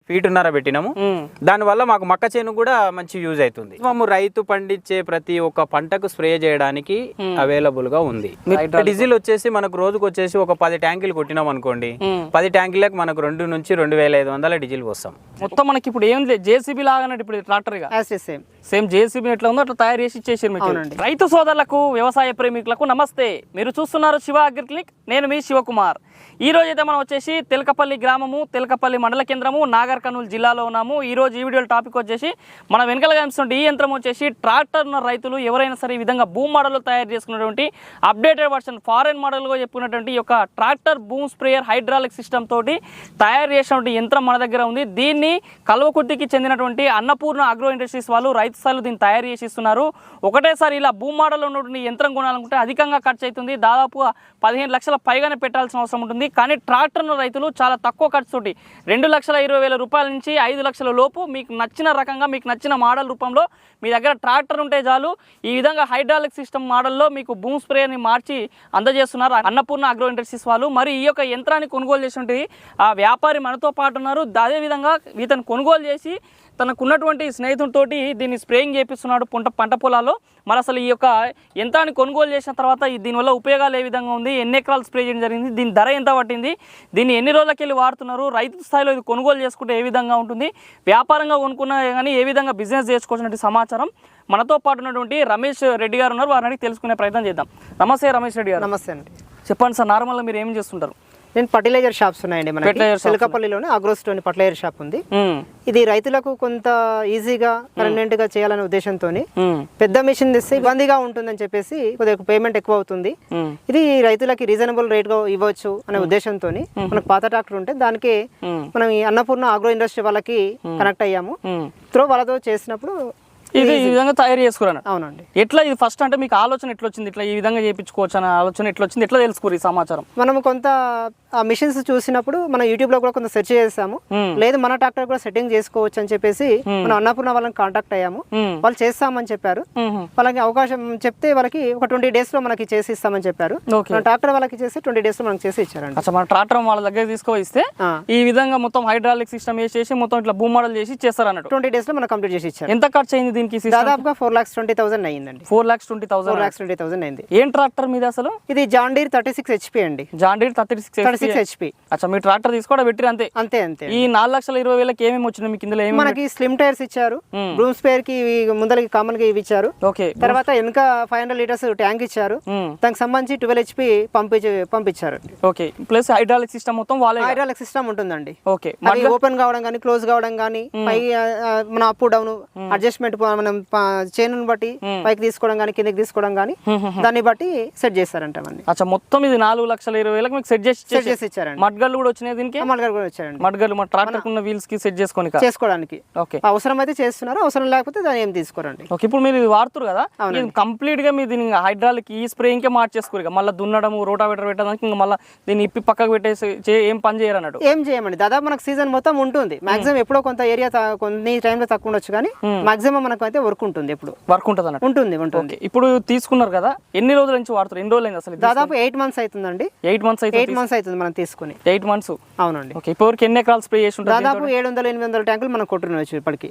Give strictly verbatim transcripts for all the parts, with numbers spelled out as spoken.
ఫీటున్నర పెట్టినాము. దానివల్ల మాకు మక్క చేను కూడా మంచి యూజ్ అవుతుంది. మేము రైతు పండించే ప్రతి ఒక్క పంటకు స్ప్రే చేయడానికి అవైలబుల్ గా ఉంది. డీజిల్ వచ్చేసి మనకు రోజుకు వచ్చేసి ఒక పది ట్యాంకులు కొట్టినాం అనుకోండి, పది ట్యాంకులకు మనకు రెండు నుంచి రెండు వేల ఐదు వందల డీజిల్ వస్తాం. మొత్తం మనకి ఇప్పుడు ఏం లేదు, జేసీబీ లాగానే ఇప్పుడు ట్రాక్టర్ గా సేమ్ సేమ్ జేసీబీ ఎట్లా ఉందో అట్లా తయారు చేసి ఇచ్చేసారు మీకు. రైతు సోదరులకు వ్యవసాయ ప్రేమికులకు నమస్తే. మీరు చూస్తున్నారు శివ అగ్రి క్లినిక్, నేను మీ శివకుమార్. ఈ రోజు అయితే మనం వచ్చేసి తెలకపల్లి గ్రామము, తెలకపల్లి మండల కేంద్రము, నాగర్ కర్నూలు జిల్లాలో ఉన్నాము. ఈ రోజు ఈ వీడియో టాపిక్ వచ్చేసి మనం వెనకాల కనిపిస్తున్న ఈ యంత్రం వచ్చేసి ట్రాక్టర్ ఉన్న రైతులు ఎవరైనా సరే ఈ విధంగా భూమి మోడల్లో తయారు చేసుకున్నటువంటి అప్డేటెడ్ వర్షన్ ఫారెన్ మోడల్గా చెప్పుకున్నటువంటి ఈ యొక్క tractor boom sprayer hydraulic system తోటి తయారు చేసినటువంటి యంత్రం మన దగ్గర ఉంది. దీన్ని కల్వకుర్తికి చెందినటువంటి అన్నపూర్ణ అగ్రో ఇండస్ట్రీస్ వాళ్ళు రైతు స్థాయిలో దీన్ని తయారు చేసి ఇస్తున్నారు. ఒకటేసారి ఇలా భూమి మోడల్లో ఉన్నటువంటి యంత్రం కొనాలనుకుంటే అధికంగా ఖర్చు అవుతుంది. దాదాపు పదిహేను లక్షల పైగానే పెట్టాల్సిన అవసరం ఉంటుంది. కానీ ట్రాక్టర్ రైతులు చాలా తక్కువ ఖర్చుతోటి రెండు లక్షల ఇరవై వేల రూపాయల నుంచి ఐదు లక్షల లోపు మీకు నచ్చిన రకంగా మీకు నచ్చిన మోడల్ రూపంలో మీ దగ్గర ట్రాక్టర్ ఉంటే చాలు ఈ విధంగా హైడ్రాలిక్ సిస్టమ్ మోడల్లో మీకు బూమ్ స్ప్రేని మార్చి అందజేస్తున్నారు అన్నపూర్ణ అగ్రో ఇండస్ట్రీస్ వాళ్ళు. మరి ఈ యొక్క యంత్రాన్ని కొనుగోలు చేసినటువంటి ఆ వ్యాపారి మనతో పాటు ఉన్నారు. అదేవిధంగా ఇతను కొనుగోలు చేసి తనకున్నటువంటి స్నేహితుడితోటి దీన్ని స్ప్రేయింగ్ చేపిస్తున్నాడు పంట పంట పొలాల్లో. మరి అసలు ఈ యొక్క యంత్రాన్ని కొనుగోలు చేసిన తర్వాత దీనివల్ల ఉపయోగాలు ఏ విధంగా ఉంది, ఎన్ని ఎకరాలు స్ప్రే చేయడం జరిగింది, దీని ధర ఎంత పట్టింది, దీన్ని ఎన్ని రోజులకి వెళ్ళి వాడుతున్నారు, రైతు స్థాయిలో ఇది కొనుగోలు చేసుకుంటే ఏ విధంగా ఉంటుంది, వ్యాపారంగా కొనుక్కున్నా కానీ ఏ విధంగా బిజినెస్ చేసుకోవాల్సిన సమాచారం మనతో పాటు ఉన్నటువంటి రమేష్ రెడ్డి గారు ఉన్నారు. వారిని తెలుసుకునే ప్రయత్నం చేద్దాం. నమస్తే రమేష్ రెడ్డి గారు. నమస్తే అండి. చెప్పండి సార్, నార్మల్గా మీరు ఏం చేస్తుంటారు? నేను ఫర్టిలైజర్ షాప్స్ ఉన్నాయండి మన తెలకపల్లిలోనే అగ్రోస్టోన్ ఫర్టిలైజర్ షాప్ ఉంది. ఇది రైతులకు కొంత ఈజీగా పర్మనెంట్ గా చేయాలనే ఉద్దేశంతో పెద్ద మిషన్ తెస్తే ఇబ్బందిగా ఉంటుందని చెప్పేసి కొద్దిగా పేమెంట్ ఎక్కువ అవుతుంది. ఇది రైతులకి రీజనబుల్ రేట్ గా ఇవ్వచ్చు అనే ఉద్దేశంతో మనకు పాత ట్రాక్టర్ ఉంటే దానికి మనం ఈ అన్నపూర్ణ అగ్రో ఇండస్ట్రీ వాళ్ళకి కనెక్ట్ అయ్యాము. త్రో వాళ్ళతో చేసినప్పుడు ఇది ఈ విధంగా తయారు చేసుకున్నాను. అవునండి. ఎట్లా ఇది ఫస్ట్ అంటే మీకు ఆలోచన ఎట్లా వచ్చింది, ఇట్లా ఈ విధంగా చేయించుకోవచ్చు అనే ఆలోచన ఎట్లా వచ్చింది, ఎట్లా తెలుసుకోరు ఈ సమాచారం? మనం కొంత ఆ మిషన్స్ చూసినప్పుడు మనం యూట్యూబ్ లో కూడా కొంత సెర్చ్ చేసాము. లేదు మన ట్రాక్టర్ కూడా సెట్టింగ్ చేసుకోవచ్చు అని చెప్పేసి మనం అన్నపూర్ణ వాళ్ళని కాంటాక్ట్ అయ్యాము. వాళ్ళు చేస్తామని చెప్పారు. వాళ్ళకి అవకాశం చెప్తే వాళ్ళకి ఒక ట్వంటీ డేస్ లో మనకి చేసి ఇస్తామని చెప్పారు. ట్రాక్టర్ వాళ్ళకి చేసి ట్వంటీ డేస్ లో మనకి చేసి ఇచ్చారండి. అసలు మన ట్రాక్టర్ వాళ్ళ దగ్గర తీసుకువస్తే ఈ విధంగా మొత్తం హైడ్రాలిక్ సిస్టమ్ వేసేసి మొత్తం ఇట్లా భూమి మోడల్ చేసి చేస్తారు అన్నట్టు. ట్వంటీ డేస్ లో మనం కంప్లీట్ చేసి ఇచ్చారు. ఎంత ఖర్చు అయింది దీనికి? దాదాపుగా ఫోర్ లాక్స్ ట్వంటీ థౌసండ్ అయ్యిందండి. Four lakhs twenty thousand four lakhs twenty thousand అయింది. ఏం ట్రాక్టర్ మీద అసలు? ఇది John Deere thirty six HP అండి. John Deere thirty six thirty six HP. అచ్చా, మీ ట్రాక్టర్ తీసుకోవడం పెట్టి అంతే అంతే అంతే. ఈ నాలుగు లక్షల ఇరవై వేలకి ఏమేమి వచ్చినాయి మీకు? ఇందులో మనకి స్లిమ్ టైర్స్ ఇచ్చారు, బ్రూమ్ స్పేర్ కి ముందరకి కామన్ గా ఇవి ఇచ్చారు. ఓకే. తర్వాత వెనక ఫైవ్ హండ్రెడ్ లీటర్స్ ట్యాంక్ ఇచ్చారు. దానికి సంబంధించి ట్వెల్వ్ హెచ్పి పంపించి పంపించారు. ఓకే. ప్లస్ హైడ్రాలిక్ సిస్టమ్ మొత్తం వాళ్ళే హైడ్రాలిక్ సిస్టమ్ ఉంటుందండి. ఓకే. ఓపెన్ కావడం కానీ క్లోజ్ కావడం కానీ పై మన అప్ డౌన్ అడ్జస్ట్మెంట్ మనం చైన్ బట్టి పైకి తీసుకోవడం కానీ కిందకి తీసుకోవడం కానీ దాన్ని బట్టి సెట్ చేస్తారంట. అచ్చా, మొత్తం ఇది నాలుగు లక్షల ఇరవై వేలకు మీకు సెట్ చేసి సెట్ చేసి ఇచ్చారండి. మడ్గల్లు కూడా వచ్చినాయి దీనికి? మడ్గల్ కూడా వచ్చారండి. మడ్గల్లు మన ట్రాక్టర్ ఉన్న వీల్స్ కి సెట్ చేసుకొని చేసుకోవడానికి. ఓకే. అవసరం అయితే చేస్తున్నారు, అవసరం లేకపోతే దాన్ని ఏం తీసుకోరండి. ఓకే. ఇప్పుడు మీరు ఇది వాడుతారు కదా, కంప్లీట్ గా మీరు దీన్ని హైడ్రాలిక్ ఈ స్ప్రేయింగ్ కే మార్చేసుకోరు, మళ్ళీ దున్నడం రోటావేటర్ పెట్టడానికి ఇంకా మళ్ళీ దీన్ని ఇప్పి పక్కకు పెట్టేసి ఏం పని చేయరు అన్నట్టు? ఏం చేయమండి. దాదాపు మనకు సీజన్ మొత్తం ఉంటుంది. మాక్సిమం ఎప్పుడో కొంత ఏరియా కొన్ని టైంలో తక్కువ ఉండొచ్చు కానీ మాక్సిమం మనకు అయితే వర్క్ ఉంటుంది. ఎప్పుడు వర్క్ ఉంటుంది అన్నట్టు? ఉంటుంది ఉంటుంది. ఇప్పుడు తీసుకున్నారు కదా, ఎన్ని రోజుల నుంచి వాడుతారు? ఎన్ని రోజులు అయింది అసలు? దాదాపు ఎయిట్ మంత్స్ అవుతుందండి. ఎయిట్ మంత్స్ అయితే ఎయిట్ మంత్స్ అవుతుంది మనం తీసుకుని. Eight months. అవునండి. ఓకే. ఇప్పటివరకు ఎన్ని ఎకరాలు స్ప్రే చేసి ఉంటారు? దాదాపు ఏడు వందల ఎనిమిది వందల ట్యాంకులు మనం కొట్టుకోవచ్చు ఇప్పటికి.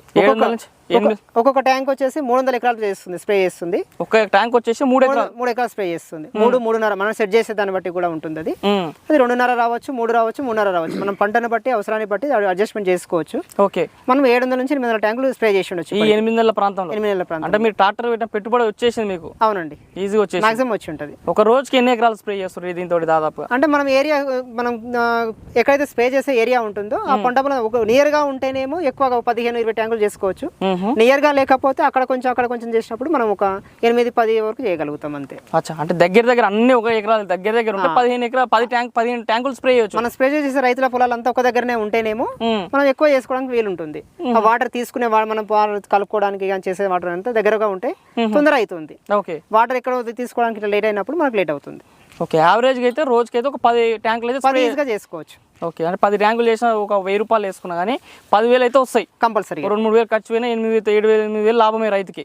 ఒక్కొక్క ట్యాంక్ వచ్చేసి మూడు వందల ఎకరాలు చేస్తుంది, స్ప్రే చేస్తుంది. ఒక ట్యాంక్ వచ్చేసి మూడు ఎకరాలు మూడు ఎకరాలు స్ప్రే చేస్తుంది. మూడు మూడున్నర మనం సెట్ చేసే దాన్ని బట్టి కూడా ఉంటుంది. అది అది రెండున్నర రావచ్చు, మూడు రావచ్చు, మూడున్నర రావచ్చు. మనం పంటను బట్టి అవసరాన్ని బట్టి అడ్జస్ట్మెంట్ చేసుకోవచ్చు. ఓకే. మనం ఏడు వందల నుంచి ఎనిమిది వందల ట్యాంకులు స్ప్రే చేసి ఉండొచ్చు ఈ ఎనిమిది నెలల ప్రాంతంలో. ఎనిమిది నెలల ప్రాంతం అంటే మీరు ట్రాక్టర్ పెట్టిన పెట్టుబడి వచ్చేసింది మీకు? అవునండి. ఈజీగా వచ్చేసి మాక్సిమం వచ్చి ఉంటుంది. ఒక రోజుకి ఎన్ని ఎకరాలు స్ప్రే చేస్తారు దీంతో? దాదాపు అంటే మనం ఏరియా మనం ఎక్కడైతే స్ప్రే చేసే ఏరియా ఉంటుందో ఆ పంట ఒక నియర్ గా ఉంటేనేమో ఎక్కువగా పదిహేను ఇరవై ట్యాంకులు చేసుకోవచ్చు. నియర్ గా లేకపోతే అక్కడ కొంచెం అక్కడ కొంచెం చేసినప్పుడు మనం ఒక ఎనిమిది పది వరకు చేయగలుగుతాం అంతే. అచ్చా, అంటే దగ్గర దగ్గర అన్ని ఒక ఎకరాలు దగ్గర దగ్గర ఉంటే పదిహేను ఎకరాలు పది ట్యాంక్ పదిహేను ట్యాంకులు స్ప్రే చేయొచ్చు. మనం స్ప్రే చేసే రైతుల పొలాలంతా ఒక దగ్గరనే ఉంటేనేమో మనం ఎక్కువ చేసుకోవడానికి వీలుంటుంది. ఆ వాటర్ తీసుకునే మనం కలుపుకోవడానికి కానీ చేసే వాటర్ అంతా దగ్గరగా ఉంటే తొందర అవుతుంది. ఓకే. వాటర్ ఎక్కడ తీసుకోవడానికి లేట్ అయినప్పుడు మనకు లేట్ అవుతుంది. ఓకే. యావరేజ్ అయితే రోజుకి అయితే ఒక పది ట్యాంకులు అయితే ఈజీగా చేసుకోవచ్చు. ఓకే. అంటే పది ట్యాంకులు చేసిన ఒక వెయ్యి రూపాయలు వేసుకున్నా కానీ పదివేలు అయితే వస్తాయి కంపల్సరీ. రెండు మూడు వేలు ఖర్చు పోయినా ఎనిమిది వేలు ఏడు వేలు ఎనిమిది వేలు లాభమే రైతుకి.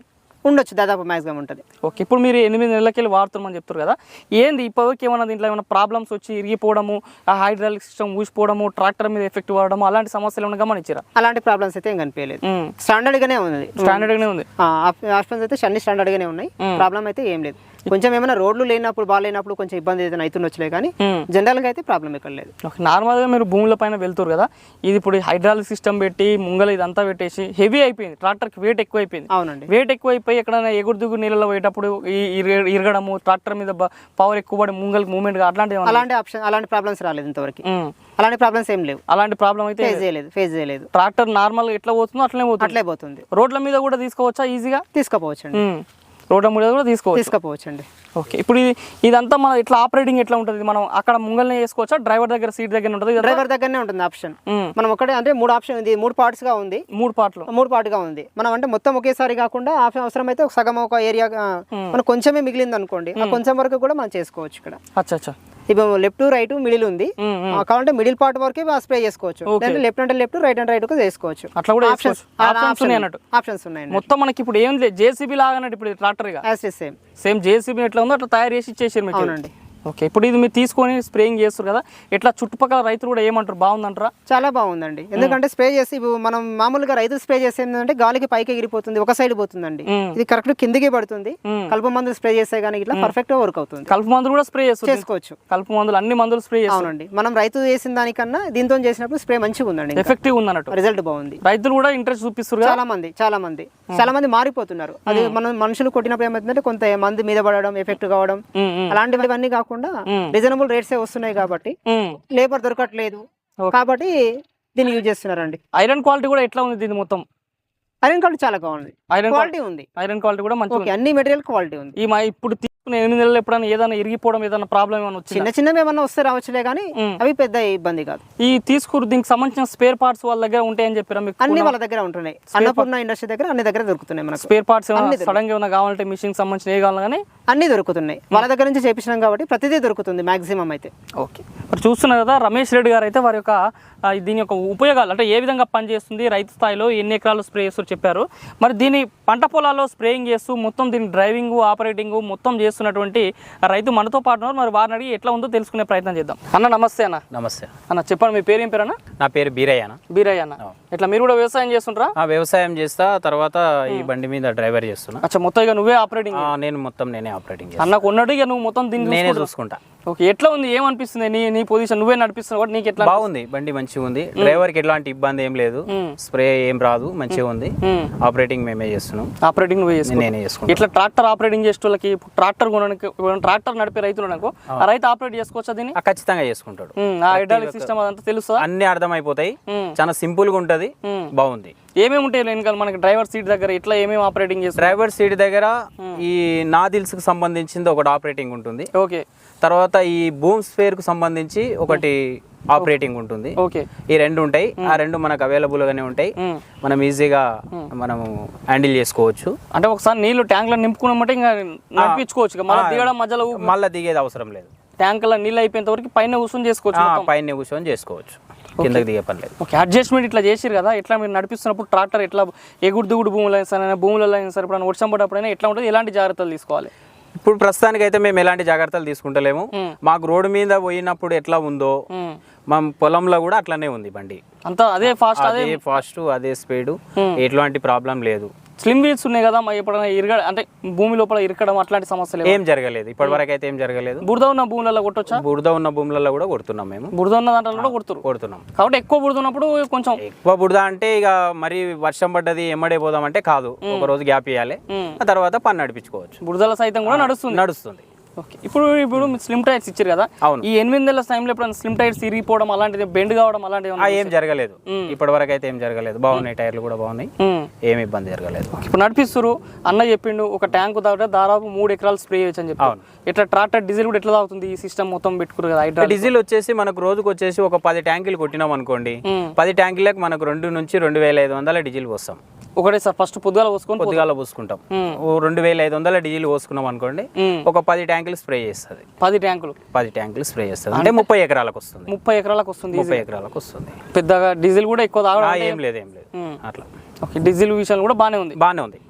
ఉండొచ్చు, దాదాపు మ్యాక్సిమం ఉంటుంది. ఓకే, ఇప్పుడు మీరు ఎనిమిది నెలలకెళ్ళి వాడుతున్నామని చెప్తారు కదా, ఏంది ఇప్పటివరకు ఏమన్నా దీంట్లో ఏమైనా ప్రాబ్లమ్స్ వచ్చి ఇరిగిపోవడము, ఆ హైడ్రాలిక్ సిస్టమ్ ఊసిపోవడము, ట్రాక్టర్ మీద ఎఫెక్ట్ పడడము అలాంటి సమస్యలు ఏమైనా గమనించారా? అలాంటి ప్రాబ్లమ్స్ అయితే ఏం కనిపించలేదు, స్టాండర్డ్ గానే ఉంది. స్టాండర్డ్ గానే ఉంది. ఆప్షన్స్ అయితే అన్ని స్టాండర్డ్ గానే ఉన్నాయి, ప్రాబ్లం అయితే ఏం లేదు. కొంచెం ఏమైనా రోడ్లు లేనప్పుడు బాగాలేనప్పుడు కొంచెం ఇబ్బంది అయితే అవుతుండొచ్చులే, కానీ జనరల్ గా అయితే ప్రాబ్లం ఎక్కడ లేదు. నార్మల్ గా మీరు భూముల పైన వెళ్తారు కదా, ఇది ఇప్పుడు హైడ్రాలిక్ సిస్టమ్ పెట్టి ముంగల ఇదంతా పెట్టేసి హెవీ అయిపోయింది, ట్రాక్టర్ కి వెయిట్ ఎక్కువ అయిపోయింది. అవునండి, వెయిట్ ఎక్కువ అయిపోయి ఎక్కడైనా ఎగురు దిగురు నీళ్ళలో పోయేటప్పుడు ఇరగడము, ట్రాక్టర్ మీద పవర్ ఎక్కువ పడి ముంగల్ మూవ్మెంట్ అలాంటి అలాంటి ఆప్షన్ అలాంటి ప్రాబ్లమ్స్ రాలేదు ఇంతవరకు. అలాంటి ప్రాబ్లమ్స్ ఏం లేవు, అలాంటి ప్రాబ్లం అయితే ఫేస్ చేయలేదు ఫేస్ చేయలేదు ట్రాక్టర్ నార్మల్ ఎట్లా పోతుందో అట్లనే పోతుంది అట్లే పోతుంది. రోడ్ల మీద కూడా తీసుకోవచ్చా? ఈజీగా తీసుకోపోవచ్చండి, రోడ్ల మీద కూడా తీసుకోవచ్చు తీసుకోపోవచ్చండి. ఓకే, ఇప్పుడు ఇది ఇదంతా మన ఇట్లా ఆపరేటింగ్ ఎట్లా ఉంటుంది? మనం అక్కడ ముంగల్నే చేసుకోవచ్చా? డ్రైవర్ దగ్గర సీట్ దగ్గర ఉంటుంది? డ్రైవర్ దగ్గరనే ఉంటుంది ఆప్షన్. మనం ఒకటే అంటే మూడు ఆప్షన్ ఉంది, మూడు పార్ట్స్ గా ఉంది, మూడు పార్ట్లు మూడు పార్ట్ గా ఉంది. మనం అంటే మొత్తం ఒకేసారి కాకుండా ఆప్షన్ అవసరం అయితే ఒక సగం ఒక ఏరియా మనం కొంచెమే మిగిలింది అనుకోండి, ఆ కొంచెం వరకు కూడా మనం చేసుకోవచ్చు ఇక్కడ. అచ్చా అచ్చా, ఇప్పుడు లెఫ్ట్ రైట్ మిడిల్ ఉంది, కావాలంటే మిడిల్ పార్ట్ వరకే స్ప్రే చేసుకోవచ్చు, లెఫ్ట్ అంటే లెఫ్ట్ రైట్ అంటే రైట్ చేసుకోవచ్చు. అట్లా కూడా ఆప్షన్స్ అన్నట్టు ఆప్షన్స్ ఉన్నాయి. మొత్తం మనకి ఇప్పుడు ఏం లేదు, జేసీబీ లాగా అన్నట్టు ఇప్పుడు ట్రాక్టర్ గా సేమ్ సేమ్ జేసీబీ ఎట్లా ఉందో అట్లా తయారు చేసి ఇచ్చేసారు మీకు. అవునండి. ఓకే, ఇప్పుడు ఇది మీరు తీసుకొని స్ప్రేయింగ్ చేస్తారు కదా, ఎట్లా చుట్టుపక్కల రైతులు కూడా ఏమంటారు, బాగుందంటారా? చాలా బాగుందండి, ఎందుకంటే స్ప్రే చేసి ఇప్పుడు మనం మామూలుగా రైతులు స్ప్రే చేస్తే ఏంటంటే గాలికి పైకి ఎగిరిపోతుంది, ఒక సైడ్ పోతుందండి. ఇది కరెక్ట్ కిందికి పడుతుంది. కలుపు మందులు స్ప్రే చేస్తే కానీ ఇట్లా పర్ఫెక్ట్ గా వర్క్ అవుతుంది. కలుపు మందులు కూడా స్ప్రే చేసుకోవచ్చు, కలుపు మందులు అన్ని మందులు స్ప్రే చేస్తారు. అవునండి, మనం రైతు చేసిన దానికన్నా దీంతో చేసినప్పుడు స్ప్రే మంచిగా ఉందండి, ఎఫెక్టివ్ ఉంది అన్నట్టు, రిజల్ట్ బాగుంది. రైతులు కూడా ఇంట్రెస్ట్ చూపిస్తారు. చాలా మంది చాలా మంది చాలా మంది మారిపోతున్నారు. అది మనం మనుషులు కొట్టినప్పుడు ఏమవుతుందంటే కొంత మంది మీద పడడం, ఎఫెక్ట్ కావడం, అలాంటివన్నీ కాకుండా రీజనబుల్ రేట్స్ వస్తున్నాయి కాబట్టి లేబర్ దొరకట్లేదు కాబట్టి దీన్ని యూజ్ చేస్తున్నారండి. ఐరన్ క్వాలిటీ కూడా ఎట్లా ఉంది దీని మొత్తం? ఐరన్ క్వాలిటీ చాలా బాగుంది, ఐరన్ క్వాలిటీ ఉంది, ఐరన్ క్వాలిటీ కూడా మంచి, అన్ని మెటీరియల్ క్వాలిటీ ఉంది. ఈ మా ఇప్పుడు తీసుకున్న ఎనిమిది నెలలు ఎప్పుడైనా ఏదైనా ఇరిగిపోవడం ఏదైనా ప్రాబ్లం ఏమైనా వచ్చింది? చిన్న చిన్నవి ఏమన్నా వస్తే రావచ్చులే, కానీ అవి పెద్ద ఇబ్బంది కాదు. ఈ తీసుకురు దీనికి సంబంధించిన స్పేర్ పార్ట్స్ వాళ్ళ దగ్గర ఉంటాయని చెప్పారా మీకు? అన్ని వాళ్ళ దగ్గర ఉంటున్నాయి, అన్నపూర్ణ ఇండస్ట్రీ దగ్గర అన్ని దగ్గర దొరుకుతున్నాయి మనకు. స్పేర్ పార్ట్స్ సడన్ గా ఏమైనా కావాలంటే మిషన్ సంబంధించిన ఏ కావాలి కానీ అన్ని దొరుకుతున్నాయి, వాళ్ళ దగ్గర నుంచి చేపించినాం కాబట్టి ప్రతిదీ దొరుకుతుంది మాక్సిమం అయితే. ఓకే, మరి చూస్తున్నారు కదా, రమేష్ రెడ్డి గారు అయితే వారి యొక్క దీని యొక్క ఉపయోగాలు అంటే ఏ విధంగా పనిచేస్తుంది, రైతు స్థాయిలో ఎన్ని ఎకరాలు స్ప్రే చేస్తూ చెప్పారు. మరి దీని పంట పొలాల్లో స్ప్రేయింగ్ చేస్తూ మొత్తం దీని డ్రైవింగ్ ఆపరేటింగ్ మొత్తం చేస్తున్నటువంటి రైతు మనతో పాటు ఉన్నారు. మరి వారిని అడిగి ఎట్లా ఉందో తెలుసుకునే ప్రయత్నం చేద్దాం. అన్న నమస్తే. అన్న నమస్తే అన్న, చెప్పండి మీ పేరు ఏం పేరు అన్న? నా పేరు బీరయ్య అన్న. బీరయ్య అన్న, ఇట్లా మీరు కూడా వ్యవసాయం చేస్తుంటారా? వ్యవసాయం చేస్తా, తర్వాత ఈ బండి మీద డ్రైవర్ చేస్తున్నా. అచ్చా, మొత్తం ఇక నువ్వే ఆపరేటింగ్? నేను మొత్తం నేనే ఆపరేటింగ్. అన్నకు ఉన్నట్టు ఇక నువ్వు మొత్తం దీన్ని నేనే చూసుకుంటా. ఓకే, ఎట్లా ఉంది, ఏమనిపిస్తుంది నీ నీ పొజిషన్ నువ్వే నడిపిస్తున్నావు కాబట్టి నీకు ఎట్లా? బాగుంది, బండి మంచిగా ఉంది, డ్రైవర్ కి ఎలాంటి ఇబ్బంది ఏం లేదు, స్ప్రే ఏం రాదు, మంచిగా ఉంది. ఆపరేటింగ్ మేమే చేస్తున్నాం. ఆపరేటింగ్ నువ్వే చేస్తున్నావు? నేనే చేసుకుంటా. ఇట్లా ట్రాక్టర్ ఆపరేటింగ్ చేసే వాళ్ళకి, ట్రాక్టర్ కొనడానికి ట్రాక్టర్ నడిపే రైతులు అనుకో, ఆ రైతు ఆపరేట్ చేసుకోవచ్చా దీన్ని? ఖచ్చితంగా చేసుకుంటాడు. ఆ హైడ్రాలిక్ సిస్టమ్ అదంతా తెలుసా? అన్ని అర్థమైపోతాయి, చాలా సింపుల్ గా ఉంటది, బాగుంది. ఏమేమి ఉంటాయి వెనకాల మనకి డ్రైవర్ సీట్ దగ్గర ఇట్లా ఏమేమి ఆపరేటింగ్ చేస్తారు? డ్రైవర్ సీట్ దగ్గర ఈ నాదిల్స్ కి సంబంధించింది ఒకటి ఆపరేటింగ్ ఉంటుంది. ఓకే, తర్వాత ఈ బూమ్ స్పేర్ కు సంబంధించి ఒకటి ఆపరేటింగ్ ఉంటుంది. ఓకే, ఈ రెండు ఉంటాయి, ఆ రెండు మనకు అవైలబుల్ గానే ఉంటాయి, మనం ఈజీగా మనము హ్యాండిల్ చేసుకోవచ్చు. అంటే ఒకసారి నీళ్లు ట్యాంక్ లో నింపుకున్నామంటే ఇంకా నడిపించుకోవచ్చు, మళ్ళీ దిగడం మధ్యలో మళ్ళీ దిగేది అవసరం లేదు. ట్యాంక్ లో నీళ్ళు అయిపోయేంత వరకు పైన కూర్చొని చేసుకోవచ్చు, పైన కూర్చొని చేసుకోవచ్చు, కిందకి దిగే పని లేదు. ఓకే, అడ్జస్ట్మెంట్ ఇట్లా చేసిరు కదా, ఎట్లా మీరు నడిపిస్తున్నప్పుడు ట్రాక్టర్ ఎట్లా ఎగుడు దిగుడు భూములు అయినా సరే భూములలో అయినా సరే ఇప్పుడు వర్షం పడ్డప్పుడైనా ఎట్లా ఉంటుంది, ఎలాంటి జాగ్రత్తలు తీసుకోవాలి? ఇప్పుడు ప్రస్తుతానికి అయితే మేము ఎలాంటి జాగ్రత్తలు తీసుకుంటలేము. మాకు రోడ్డు మీద పోయినప్పుడు ఎట్లా ఉందో మా పొలంలో కూడా అట్లానే ఉంది బండి, అంతా అదే ఫాస్ట్ అదే ఫాస్ట్ అదే స్పీడ్, ఎట్లాంటి ప్రాబ్లం లేదు. స్లిమ్ వీల్స్ ఉన్నాయి కదా, ఎప్పుడైనా ఇరగ అంటే భూమి లోపల ఇరకడం అట్లాంటి సమస్యలు ఏం జరగలేదు, ఇప్పటి వరకు అయితే ఏం జరగలేదు. బురద ఉన్న భూములలో కొట్టొచ్చా? బురద ఉన్న భూములలో కూడా కొడుతున్నాం మేము, బురద ఉన్న దాంట్లో కూడా కొడుతున్నారు కొడుతున్నాం. కాబట్టి ఎక్కువ బురద ఉన్నప్పుడు కొంచెం ఎక్కువ బురద అంటే ఇక మరి వర్షం పడ్డది ఎమ్మడే పోదాం అంటే కాదు, ఒక రోజు గ్యాప్ ఇవ్వాలి, ఆ తర్వాత పని నడిపించుకోవచ్చు. బురదల సైతం కూడా నడుస్తుంది నడుస్తుంది ఓకే, ఇప్పుడు ఇప్పుడు స్లిమ్ టైర్స్ ఇచ్చారు కదా, అవును. ఈ ఎనిమిది నెలల టైంలో ఎప్పుడైనా స్లిమ్ టైర్స్ ఇరిగిపోవడం అలాంటిది, బెండ్ కావడం అలాంటివి ఏం జరగలేదు, ఇప్పటి వరకు అయితే ఏం జరగలేదు, బాగున్నాయి టైర్లు కూడా బాగున్నాయి, ఏమి ఇబ్బంది జరగలేదు. ఇప్పుడు నడిపిస్తారు అన్న చెప్పిండు, ఒక ట్యాంక్ తాగితే దాదాపు మూడు ఎకరాలు స్ప్రే చేయొచ్చు అని చెప్పి. ఇట్లా ట్రాక్టర్ డీజిల్ కూడా ఎట్లా తాగుతుంది ఈ సిస్టమ్ మొత్తం పెట్టుకురు కదా? హైడ్రా డీజిల్ వచ్చేసి మనకు రోజుకు వచ్చేసి ఒక పది ట్యాంకులు కొట్టినాం అనుకోండి, పది ట్యాంకులకు మనకు రెండు నుంచి రెండు వేల ఐదు వందల డీజిల్ పోస్తాం ఒకటే సార్. ఫస్ట్ పొద్దుగాల పోసుకొని పొద్దుగాల పోసుకుంటాం, రెండు వేల ఐదు వందల డీజిల్ పోసుకున్నాం అనుకోండి, ఒక పది ట్యాంకులు స్ప్రే చేస్తుంది. పది ట్యాంకులు పది ట్యాంకులు స్ప్రే చేస్తుంది అంటే ముప్పై ఎకరాలకు వస్తుంది. ముప్పై ఎకరాలకు వస్తుంది ముప్పై ఎకరాలకు వస్తుంది. పెద్దగా డీజిల్ కూడా ఎక్కువ తాగడం ఏం లేదు ఏం లేదు అట్లా. ఓకే, డీజిల్ విషయం కూడా బాగానే ఉంది బాగానే ఉంది. ఓకే,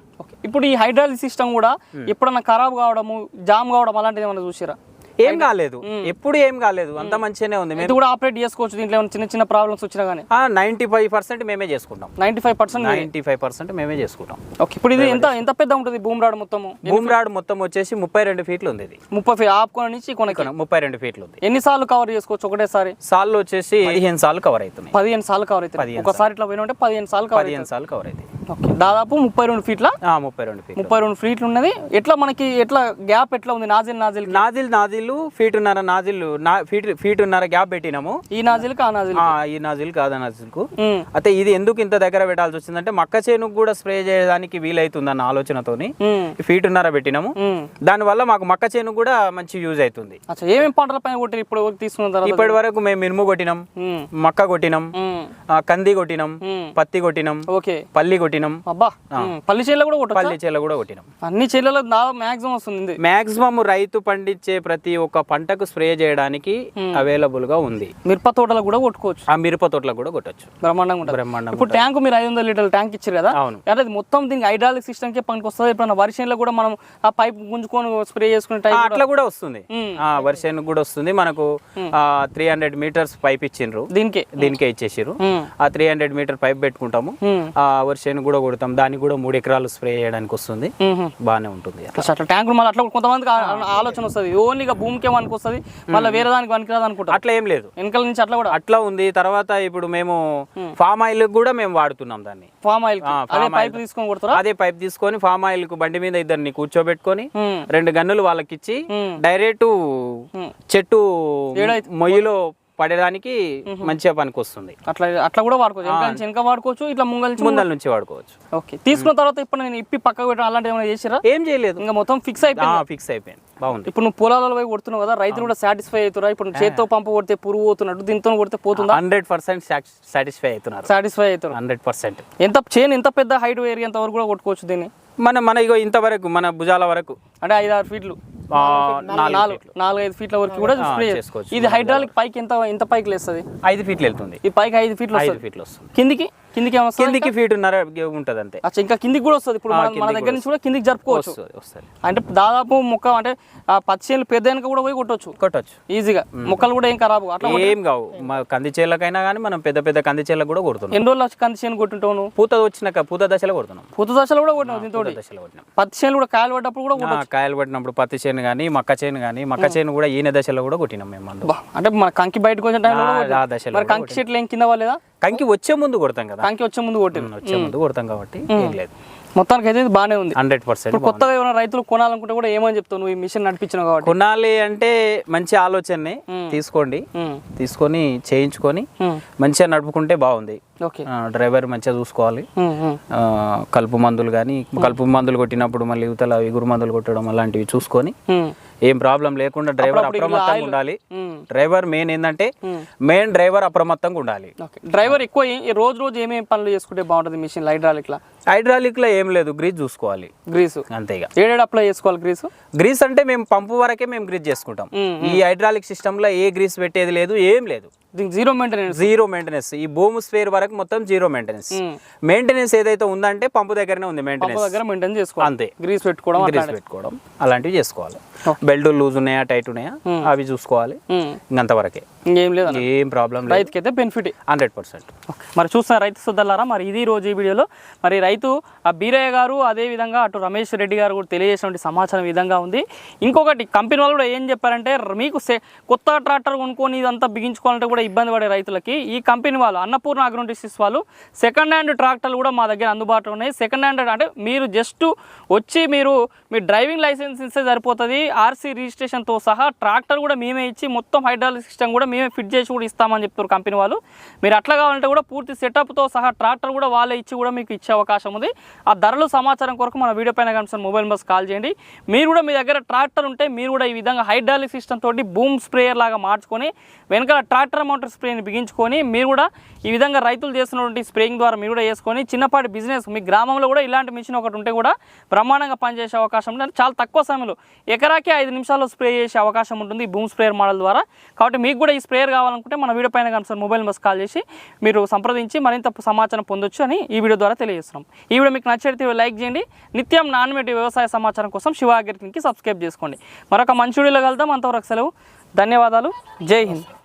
ఇప్పుడు ఈ హైడ్రాలిక్ సిస్టమ్ కూడా ఎప్పుడన్నా ఖరాబ్ కావడము జామ్ కావడం అలాంటిది ఏమైనా చూసారా? ఏం కాలేదు, ఎప్పుడు ఏం కాలేదు, అంత మంచిగానే ఉంది. ఇది కూడా ఆపరేట్ చేసుకోవచ్చు, దీంట్లో ఏమైనా చిన్న చిన్న ప్రాబ్లమ్స్ వచ్చినా కానీ నైన్టీ ఫైవ్ పర్సెంట్ మేమే చేసుకుంటాం. Ninety five percent ninety five percent మేమే చేసుకుంటాం. ఓకే, ఇప్పుడు ఇది ఎంత ఎంత పెద్ద ఉంటుంది భూమి రాడు మొత్తము? భూమి రాడు మొత్తం వచ్చేసి ముప్పై రెండు ఫీట్లు ఉంది. ఇది ముప్పై ఫీట్ ఆపుకొని నుంచి కొనకి ముప్పై రెండు ఫీట్లు ఉంది. ఎన్నిసార్లు కవర్ చేసుకోవచ్చు ఒకటేసారి? సార్లు వచ్చేసి పదిహేను సార్లు కవర్ అవుతున్నాయి. పదిహేను సార్లు కవర్ అవుతాయి. ఒకసారి ఇట్లా పోయిన ఉంటే పదిహేను సార్లు కవర్ పదిహేను సార్లు కవర్ అవుతాయి. ఓకే, దాదాపు ముప్పై రెండు ఫీట్ల ముప్పై రెండు ఫీట్ ముప్పై రెండు ఫీట్లు ఉన్నది. ఎట్లా మనకి ఎట్లా గ్యాప్ ఎట్లా ఉంది? Nozzle nozzle nozzle nozzle feet ఉన్నర నాజిల్ ఫీట్ ఫీట్ ఉన్నర గ్యాప్ పెట్టినాము. ఈ నాజిల్ కా నాజిల్ ఈ నాజిల్ కాదా నాజిల్ కు. అయితే ఇది ఎందుకు ఇంత దగ్గర పెట్టాల్సి వచ్చిందంటే మక్క చేనుకు కూడా స్ప్రే చేయడానికి వీలైతుంది అన్న ఆలోచనతోని ఫీట్ ఉన్నర పెట్టినాము. దాని వల్ల మాకు మక్క చేనుకు కూడా మంచి యూజ్ అవుతుంది. ఏమేమి పంటల పైన కొట్టి ఇప్పుడు తీసుకున్న తర్వాత? ఇప్పటి వరకు మేము మినుము కొట్టినాం, మక్క కొట్టినాం, కంది కొట్టినాం, పత్తి కొట్టినాం, ఓకే పల్లి కొట్టినాం. అబ్బా, పల్లి చేల కూడా కొట్టాం. పల్లి చేల కూడా కొట్టినాం. అన్ని చేలలో మాక్సిమం వస్తుంది. మాక్సిమం రైతు పండించే ప్రతి ఒక్క పంటకు స్ప్రే చేయడానికి అవైలబుల్ గా ఉంది. మిరప తోటలకు కూడా కొట్టుకోవచ్చు. ఆ మిరప తోటలకు కూడా కొట్టచ్చు. బ్రహ్మాండంగా ఉంటుంది. బ్రహ్మాండం. ఇప్పుడు ట్యాంక్ మీరు ఐదు వందల లీటర్ల ట్యాంక్ ఇచ్చారు కదా, అవును. అంటే అది మొత్తం దీనికి హైడ్రాలిక్ సిస్టమ్ కే పనికి వస్తుంది. ఇప్పుడు వర్షంలో కూడా మనం ఆ పైప్ గుంజుకొని స్ప్రే చేసుకునే టైం అట్లా కూడా వస్తుంది. వర్షానికి కూడా వస్తుంది. మనకు త్రీ హండ్రెడ్ మీటర్స్ పైప్ ఇచ్చిండ్రు, దీనికే దీనికే ఇచ్చేసారు. ఆ త్రీ హండ్రెడ్ మీటర్ పైప్ పెట్టుకుంటాము, ఆ వర్షానికి కూడా కొడతాం. దానికి కూడా మూడు ఎకరాలు స్ప్రే చేయడానికి వస్తుంది, బాగానే ఉంటుంది. అట్లా ట్యాంక్ మళ్ళీ అట్లా కొంతమందికి ఆలోచన వస్తుంది, ఓన్లీ భూమికే పనికి వస్తుంది, మళ్ళీ వేరే దానికి పనికిరాదు అనుకుంటారు. అట్లా ఏం లేదు, వెనకాల నుంచి అట్లా కూడా అట్లా ఉంది. తర్వాత ఇప్పుడు మేము ఫామ్ ఆయిల్ కూడా మేము వాడుతున్నాం దాన్ని. ఫామ్ ఆయిల్ అదే పైప్ తీసుకొని కొడతారా? అదే పైప్ తీసుకొని ఫామ్ ఆయిల్ కు బండి మీద ఇద్దరిని కూర్చోబెట్టుకొని రెండు గన్నులు వాళ్ళకి ఇచ్చి డైరెక్ట్ చెట్టు మొయ్యిలో పడేదానికి మంచిగా పనికి వస్తుంది. అట్లా అట్లా కూడా వాడుకోవచ్చు, వెనక వాడుకోవచ్చు, ఇట్లా ముంగల్ ముందల నుంచి వాడుకోవచ్చు. ఓకే, తీసుకున్న తర్వాత ఇప్పుడు నేను ఇప్పి పక్కకు పెట్టడం అలాంటి ఏమైనా చేసిరా? ఏం చేయలేదు, ఇంకా మొత్తం ఫిక్స్ అయిపోయింది. ఫిక్స్ అయిపోయింది, బాగుంది. ఇప్పుడు నువ్వు పొలాలలో పోయి కొడుతున్నావు కదా, రైతులు కూడా సాటిస్ఫై అవుతారా? ఇప్పుడు చేత్తో పంపు కొడితే పురుగు పోతున్నట్టు దీంతో కొడితే పోతుందా? హండ్రెడ్ పర్సెంట్ సాటిస్ఫై అవుతున్నారు. సాటిస్ఫై అవుతారు హండ్రెడ్ పర్సెంట్. ఎంత చేను ఎంత పెద్ద హైట్ ఏరియా ఎంత వరకు కూడా కొట్టుకోవచ్చు దీన్ని? మన మన ఇగో ఇంతవరకు మన భుజాల వరకు అంటే ఐదు ఆరు ఫీట్లు నాలుగు ఐదు ఫీట్ల వరకు కూడా స్ప్రే చేసుకోవచ్చు. ఇది హైడ్రాలిక్ పైకి ఎంత ఎంత పైకి లేస్తుంది? ఐదు ఫీట్లు వెళ్తుంది. ఈ పైకి ఐదు ఫీట్లు ఐదు ఫీట్లు వస్తుంది. కిందికి కిందికి కిందికి ఫీట్ ఉన్నర ఉంటది అంతే. అచ్చా, ఇంకా కిందికి కూడా వస్తుంది. ఇప్పుడు మన దగ్గర నుంచి కూడా కిందికి జరుపుకోవచ్చు. అంటే దాదాపు మొక్క అంటే పచ్చి చేనులు పెద్ద వెనక కూడా పోయి కొట్టవచ్చు కొట్టవచ్చు ఈజీగా. మొక్కలు కూడా ఏం ఖరాబు అట్లా ఏం కావు. కంది చేలకైనా కానీ మనం పెద్ద పెద్ద కంది చేలకు కూడా కొడుతున్నాం. ఎన్ని రోజులు వచ్చి కంది చేను కొట్టుంటావు? పూత వచ్చినాక పూత దశలో కొడుతున్నాం. పూత దశలో కూడా కొట్టినాం. దీంతో దశలో కొట్టినాం. పత్తి చేనులు కూడా కాయలు పడ్డప్పుడు కూడా కాయలు పట్టినప్పుడు పత్తి చేను కానీ మక్క చేను కానీ మక్క చేను కూడా ఈయన దశలో కూడా కొట్టినాం మేము. అంటే మన కంకి బయటకు వచ్చిన టైంలో కంకి చెట్లు ఏం కింద వాళ్ళేదా? కంకి వచ్చే ముందు కొడతాం కదా, కంకి వచ్చే ముందు కొట్టి వచ్చే ముందు కొడతాం కాబట్టి ఏం లేదు. మొత్తానికి అయితే బాగానే ఉంది, హండ్రెడ్ పర్సెంట్. కొత్తగా ఏమైనా రైతులు కొనాలనుకుంటే కూడా ఏమని చెప్తావు నువ్వు? ఈ మిషన్ నడిపించినావు కాబట్టి కొనాలి అంటే మంచి ఆలోచనే తీసుకోండి, తీసుకొని చేయించుకొని మంచిగా నడుపుకుంటే బాగుంది. డ్రైవర్ మంచిగా చూసుకోవాలి. కలుపు మందులు కానీ కలుపు మందులు కొట్టినప్పుడు మళ్ళీ యువతల ఎగురు మందులు కొట్టడం అలాంటివి చూసుకొని ఏం ప్రాబ్లం లేకుండా డ్రైవర్ అప్రమత్తంగా ఉండాలి. డ్రైవర్ మెయిన్ ఏంటంటే మెయిన్ డ్రైవర్ అప్రమత్తంగా ఉండాలి. డ్రైవర్ ఎక్కువ రోజు రోజు ఏమేమి పనులు చేసుకుంటే బాగుంటుంది మిషన్ హైడ్రాలిక్ లా? హైడ్రాలిక్ లో ఏం లేదు, గ్రీజ్ చూసుకోవాలి. గ్రీస్ అంతేగా. ఏడేడు అప్లై చేసుకోవాలి గ్రీస్? గ్రీస్ అంటే మేము పంపు వరకే మేము గ్రీజ్ చేసుకుంటాం. ఈ హైడ్రాలిక్ సిస్టమ్ లో ఏ గ్రీస్ పెట్టేది లేదు, ఏం లేదు. Zero maintenance. Zero maintenance. ఈ భూమి స్పేర్ వరకు మొత్తం జీరో మెయింటెనెన్స్. మెయింటెనెన్స్ ఏదైతే ఉందంటే పంపు దగ్గరనే ఉంది మెయింటెనెన్స్. దగ్గర మెయింటెనెన్స్ చేసుకోవాలి అంతే. గ్రీస్ పెట్టుకోవడం గ్రీస్ పెట్టుకోవడం అలాంటివి చేసుకోవాలి. బెల్ట్ లూజ్ ఉన్నాయా టైట్ ఉన్నాయా అవి చూసుకోవాలి. ఇంకంతవరకే, ఇంకేం లేదు, ఏం ప్రాబ్లం లేదు. రైతుకి అయితే బెనిఫిట్ హండ్రెడ్ పర్సెంట్. మరి చూస్తున్న రైతు సోదరులారా, మరి ఇది రోజు ఈ వీడియోలో మరి రైతు ఆ బీరయ్య గారు అదే విధంగా అటు రమేష్ రెడ్డి గారు కూడా తెలియజేసినటువంటి సమాచారం ఈ విధంగా ఉంది. ఇంకొకటి కంపెనీ వాళ్ళు కూడా ఏం చెప్పారంటే మీకు కొత్త ట్రాక్టర్ కొనుక్కొని ఇదంతా బిగించుకోవాలంటే కూడా ఇబ్బంది పడే రైతులకి ఈ కంపెనీ వాళ్ళు అన్నపూర్ణ అగ్రోటెక్స్ వాళ్ళు సెకండ్ హ్యాండ్ ట్రాక్టర్లు కూడా మా దగ్గర అందుబాటులో ఉన్నాయి. సెకండ్ హ్యాండ్ అంటే మీరు జస్ట్ వచ్చి మీరు మీ డ్రైవింగ్ లైసెన్స్ ఇస్తే సరిపోతుంది. ఆర్సీ రిజిస్ట్రేషన్తో సహా ట్రాక్టర్ కూడా మేమే ఇచ్చి మొత్తం హైడ్రాలిక్ సిస్టమ్ కూడా మేమే ఫిట్ చేసి కూడా ఇస్తామని చెప్తారు కంపెనీ వాళ్ళు. మీరు అట్లా కావాలంటే కూడా పూర్తి సెటప్తో సహా ట్రాక్టర్ కూడా వాళ్ళే ఇచ్చి కూడా మీకు ఇచ్చే అవకాశం ఉంది. ఆ ధరలు సమాచారం కొరకు మన వీడియో పైన కనిపిస్తున్న మొబైల్ నెంబర్స్ కాల్ చేయండి. మీరు కూడా మీ దగ్గర ట్రాక్టర్ ఉంటే మీరు కూడా ఈ విధంగా హైడ్రాలిక్ సిస్టమ్ తోటి బూమ్ స్ప్రేయర్ లాగా మార్చుకొని వెనకాల ట్రాక్టర్ మౌంటర్ స్ప్రేని బిగించుకొని మీరు కూడా ఈ విధంగా రైతులు చేస్తున్నటువంటి స్ప్రేయింగ్ ద్వారా మీరు కూడా వేసుకొని చిన్నపాటి బిజినెస్ మీ గ్రామంలో కూడా ఇలాంటి మిషన్ ఒకటి ఉంటే కూడా బ్రహ్మాండంగా పనిచేసే అవకాశం ఉంటుంది. చాలా తక్కువ సమయంలో ఎకరాకి ఐదు నిమిషాల్లో స్ప్రే చేసే అవకాశం ఉంటుంది ఈ బూమ్ స్ప్రేయర్ మోడల్ ద్వారా. కాబట్టి మీకు కూడా ఈ స్ప్రేయర్ కావాలనుకుంటే మన వీడియో పైన కనిపిస్తున్న మొబైల్ నెంబర్స్ కాల్ చేసి మీరు సంప్రదించి మరింత సమాచారం పొందొచ్చు అని ఈ వీడియో ద్వారా తెలియజేస్తున్నాం. ఈ వీడియో మీకు నచ్చితే లైక్ చేయండి. నిత్యం నాన్మేటి వ్యవసాయ సమాచారం కోసం శివ అగ్రిటెక్కి సబ్స్క్రైబ్ చేసుకోండి. మరొక మంచి వీడియోలో కలుద్దాం. అంతవరకు సెలవు. ధన్యవాదాలు. జై హింద్.